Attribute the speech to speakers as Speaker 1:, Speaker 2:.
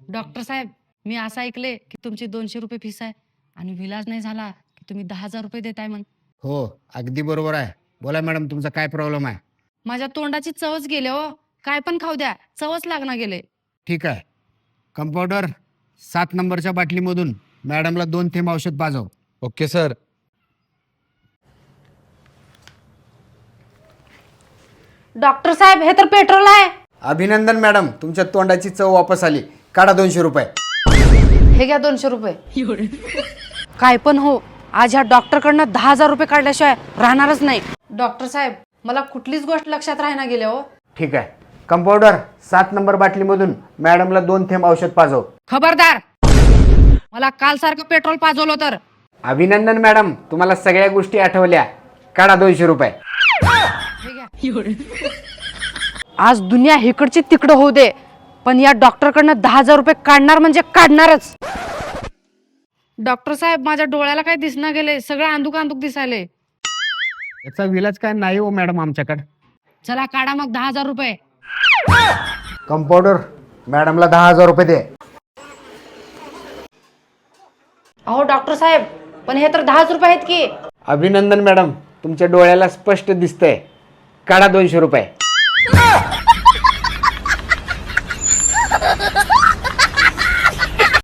Speaker 1: Doctor साहेब, मी असं ऐकले की तुमची 200 रुपये फीस आहे आणि विलाज नाही झाला की तुम्ही 10,000 रुपये देताय म्हण.
Speaker 2: हो, अगदी बरोबर आहे. बोला मॅडम, तुमचा काय प्रॉब्लेम आहे?
Speaker 1: माझ्या तोंडाची चवच गेले हो. काय पण खाऊ द्या, चवच लागणार गेले.
Speaker 2: ठीक आहे. कंपाऊंडर, 7 नंबरच्या बाटलीमधून मॅडमला 2 थेंब औषध पाजव.
Speaker 3: Okay sir.
Speaker 1: डॉक्टर साहेब, हे तर पेट्रोल आहे.
Speaker 2: अभिनंदन मॅडम, तुमच्या तोंडाची चव वापस आली. काढा 200 रुपये.
Speaker 1: हे घ्या 200 रुपये. काय पण हो, आज ह्या डॉक्टरकडनं 10,000 रुपये काढल्याशिवाय राहणारच नाही. डॉक्टर साहेब, मला कुठलीच गोष्ट लक्षात राहणार गेले हो.
Speaker 2: ठीक आहे. कंपाऊंडर, 7 नंबर बाटलीमधून मॅडमला 2 थेंब औषध पाजव.
Speaker 1: खबरदार, मला काल सारखं पेट्रोल पाजवलं तर.
Speaker 2: अभिनंदन मॅडम, तुम्हाला सगळ्या गोष्टी आठवल्या. काढा 200 रुपये.
Speaker 1: हे घ्या. आज दुनिया इकडची तिकडं होऊ दे, पण या डॉक्टरकडनं 10,000 रुपये काढणार म्हणजे काढणारच. डॉक्टर साहेब, माझ्या डोळ्याला काय दिसना गेले, सगळं अंधुक अंधुक दिसायले.
Speaker 2: याचा विलाज काय नाही हो मॅडम आमच्याकडे.
Speaker 1: चला काढा मग 10,000 रुपये.
Speaker 2: कंपाऊंडर, मॅडमला 10,000 रुपये दे.
Speaker 1: अहो डॉक्टर साहेब, पण हे तर 10 रुपये आहेत की.
Speaker 2: अभिनंदन मॅडम, तुमच्या डोळ्याला स्पष्ट दिसतंय. काढा 200 रुपये.